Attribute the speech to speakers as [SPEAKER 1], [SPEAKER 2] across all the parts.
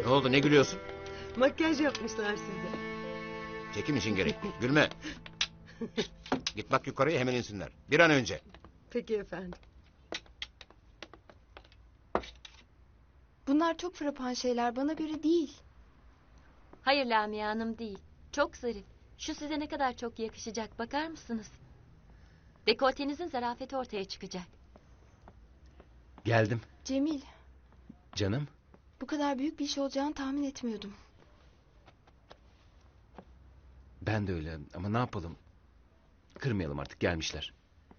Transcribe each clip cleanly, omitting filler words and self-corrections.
[SPEAKER 1] Ne oldu, ne gülüyorsun?
[SPEAKER 2] Makyaj yapmışlar size.
[SPEAKER 1] Çekim için gerek. Gülme. Git bak yukarıya, hemen insinler. Bir an önce.
[SPEAKER 2] Peki efendim.
[SPEAKER 3] Bunlar çok frapan şeyler, bana göre değil.
[SPEAKER 4] Hayır Lamia Hanım değil. Çok zarif. Şu size ne kadar çok yakışacak, bakar mısınız? Dekoltenizin zarafeti ortaya çıkacak.
[SPEAKER 1] Geldim.
[SPEAKER 3] Cemil,
[SPEAKER 1] Canım.
[SPEAKER 3] bu kadar büyük bir iş olacağını tahmin etmiyordum.
[SPEAKER 1] Ben de öyle ama ne yapalım? Kırmayalım artık, gelmişler.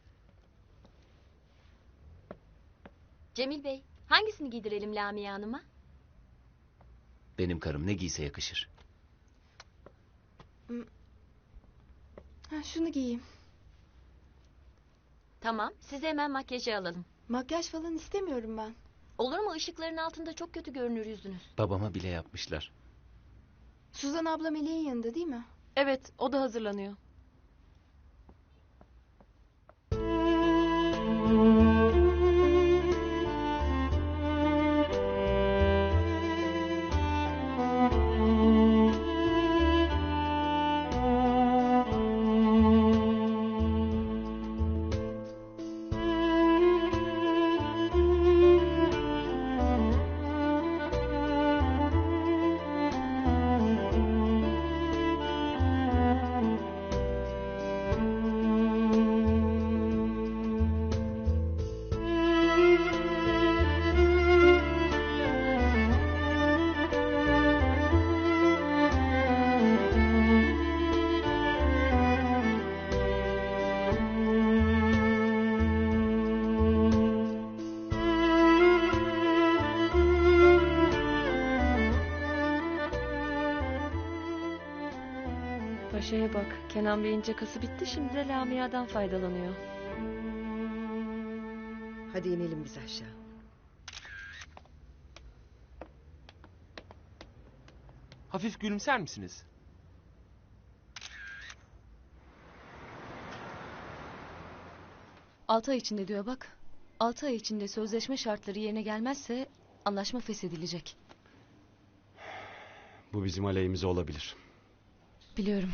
[SPEAKER 4] Cemil Bey, hangisini giydirelim Lamia Hanım'a?
[SPEAKER 1] Benim karım ne giyse yakışır.
[SPEAKER 3] Şunu giyeyim.
[SPEAKER 4] Tamam, size hemen makyajı alalım.
[SPEAKER 3] Makyaj falan istemiyorum ben.
[SPEAKER 4] Olur mu? Işıkların altında çok kötü görünür yüzünüz.
[SPEAKER 1] Babama bile yapmışlar.
[SPEAKER 3] Suzan abla Melek'in yanında değil mi?
[SPEAKER 5] Evet, o da hazırlanıyor. Paşa'ya bak. Kenan Bey'in cakası bitti. Şimdi de Lamia'dan faydalanıyor.
[SPEAKER 2] Hadi inelim biz aşağı.
[SPEAKER 6] Hafif gülümser misiniz?
[SPEAKER 5] Altı ay içinde diyor bak. 6 ay içinde sözleşme şartları yerine gelmezse anlaşma feshedilecek.
[SPEAKER 7] Bu bizim aleyhimize olabilir.
[SPEAKER 5] Biliyorum.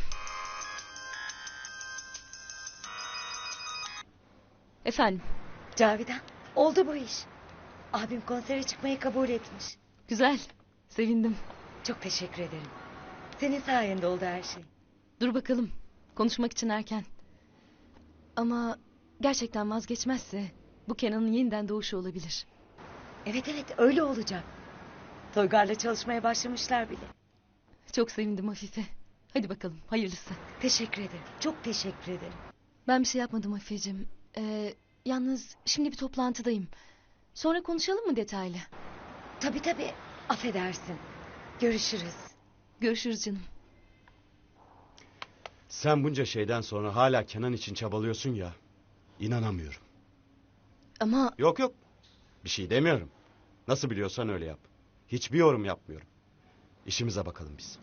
[SPEAKER 5] Efendim,
[SPEAKER 8] Cavidan, oldu bu iş. Abim konsere çıkmayı kabul etmiş.
[SPEAKER 5] güzel. Sevindim.
[SPEAKER 8] Çok teşekkür ederim. Senin sayende oldu her şey.
[SPEAKER 5] Dur bakalım. Konuşmak için erken. Ama gerçekten vazgeçmezse bu Kenan'ın yeniden doğuşu olabilir.
[SPEAKER 8] Evet öyle olacak. Toygar'la çalışmaya başlamışlar bile.
[SPEAKER 5] Çok sevindim Afife. Hadi bakalım, hayırlısı.
[SPEAKER 8] Teşekkür ederim. Çok teşekkür ederim.
[SPEAKER 5] Ben bir şey yapmadım Afifeciğim. Yalnız şimdi bir toplantıdayım. Sonra konuşalım mı detaylı?
[SPEAKER 8] Tabii. Affedersin. Görüşürüz.
[SPEAKER 5] Görüşürüz canım.
[SPEAKER 7] Sen bunca şeyden sonra hala Kenan için çabalıyorsun ya. İnanamıyorum.
[SPEAKER 5] Ama
[SPEAKER 7] Yok. Bir şey demiyorum. Nasıl biliyorsan öyle yap. Hiçbir yorum yapmıyorum. İşimize bakalım biz.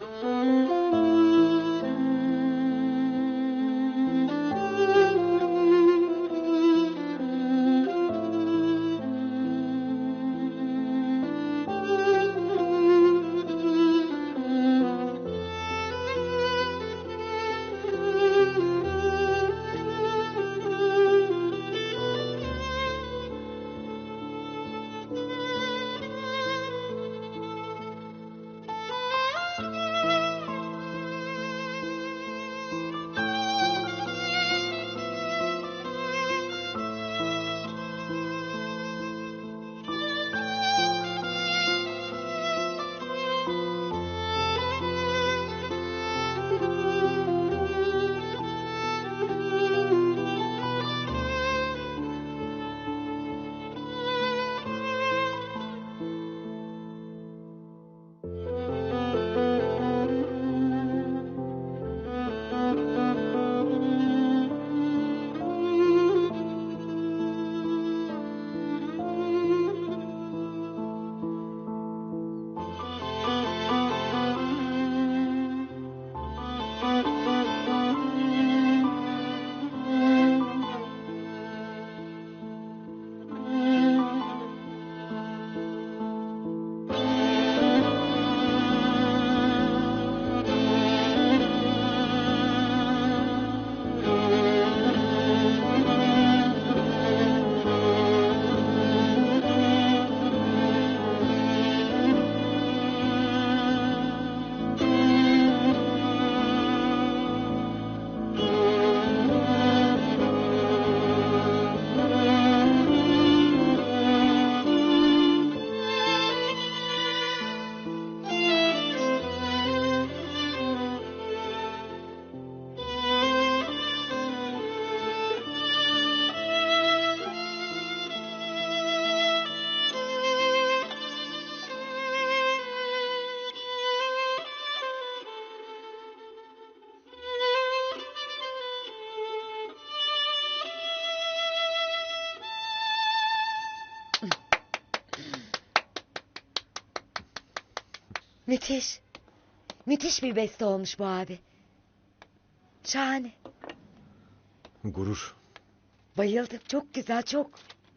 [SPEAKER 8] Müthiş. Müthiş bir beste olmuş bu abi. Şahane.
[SPEAKER 9] Gurur.
[SPEAKER 8] Bayıldım. Çok güzel, çok.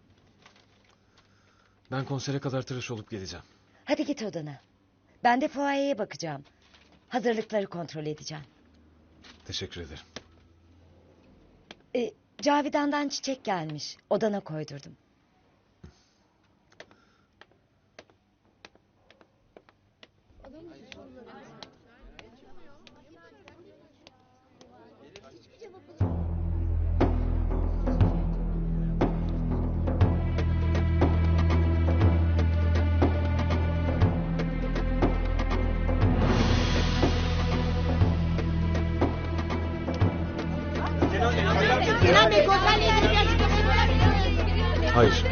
[SPEAKER 9] Ben konsere kadar tıraş olup geleceğim.
[SPEAKER 8] Hadi git odana. Ben de fuayeye bakacağım. Hazırlıkları kontrol edeceğim.
[SPEAKER 9] Teşekkür ederim.
[SPEAKER 8] Cavidan'dan çiçek gelmiş. Odana koydurdum.
[SPEAKER 9] Hayır.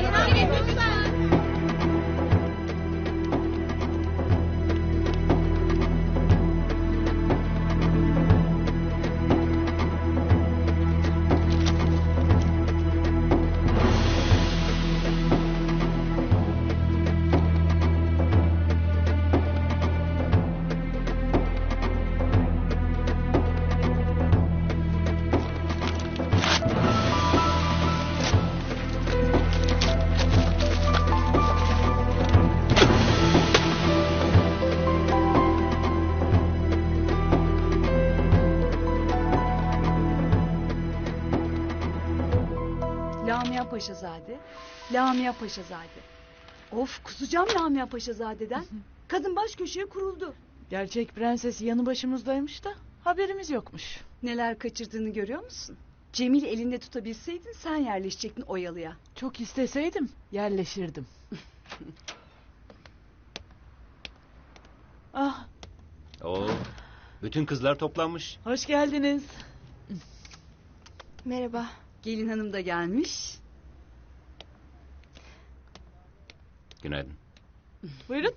[SPEAKER 10] Lamia Paşazade, Lamia Paşazade. Of, kusacağım Lamia Paşazade'den. Kadın baş köşeye kuruldu.
[SPEAKER 11] Gerçek prenses yanı başımızdaymış da haberimiz yokmuş.
[SPEAKER 10] Neler kaçırdığını görüyor musun? Cemil elinde tutabilseydin sen yerleşecektin Oyalı'ya.
[SPEAKER 11] Çok isteseydim yerleşirdim. Ah,
[SPEAKER 1] Oo, bütün kızlar toplanmış.
[SPEAKER 11] hoş geldiniz.
[SPEAKER 3] Merhaba.
[SPEAKER 10] Gelin hanım da gelmiş.
[SPEAKER 1] Günaydın.
[SPEAKER 11] Buyurun.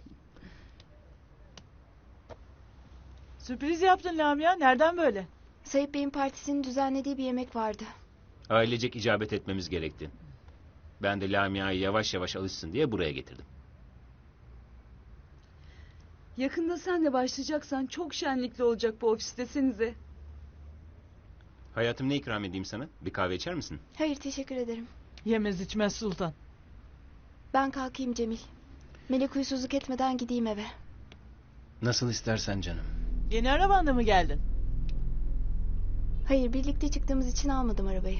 [SPEAKER 11] Sürpriz yaptın Lamia. Nereden böyle?
[SPEAKER 3] Sayıp Bey'in partisinin düzenlediği bir yemek vardı.
[SPEAKER 1] Ailecek icabet etmemiz gerekti. Ben de Lamia'yı yavaş yavaş alışsın diye buraya getirdim.
[SPEAKER 10] Yakında sen de başlayacaksan çok şenlikli olacak bu ofis desenize.
[SPEAKER 1] Hayatım, ne ikram edeyim sana? Bir kahve içer misin?
[SPEAKER 3] Hayır, teşekkür ederim.
[SPEAKER 11] Yemez içmez sultan.
[SPEAKER 3] Ben kalkayım Cemil. Melek huysuzluk etmeden gideyim eve.
[SPEAKER 1] Nasıl istersen canım.
[SPEAKER 11] Yeni arabanla mı geldin?
[SPEAKER 3] Hayır, birlikte çıktığımız için almadım arabayı.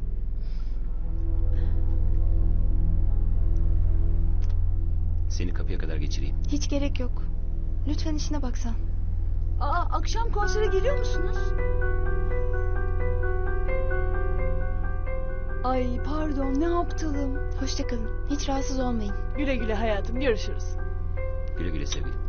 [SPEAKER 1] Seni kapıya kadar geçireyim.
[SPEAKER 3] Hiç gerek yok. Lütfen işine baksan.
[SPEAKER 10] Aa, akşam konsere geliyor musunuz? Ay pardon, ne aptalım.
[SPEAKER 3] Hoşça kalın. Hiç rahatsız olmayın.
[SPEAKER 11] Güle güle hayatım, görüşürüz.
[SPEAKER 1] Güle güle sevgilim.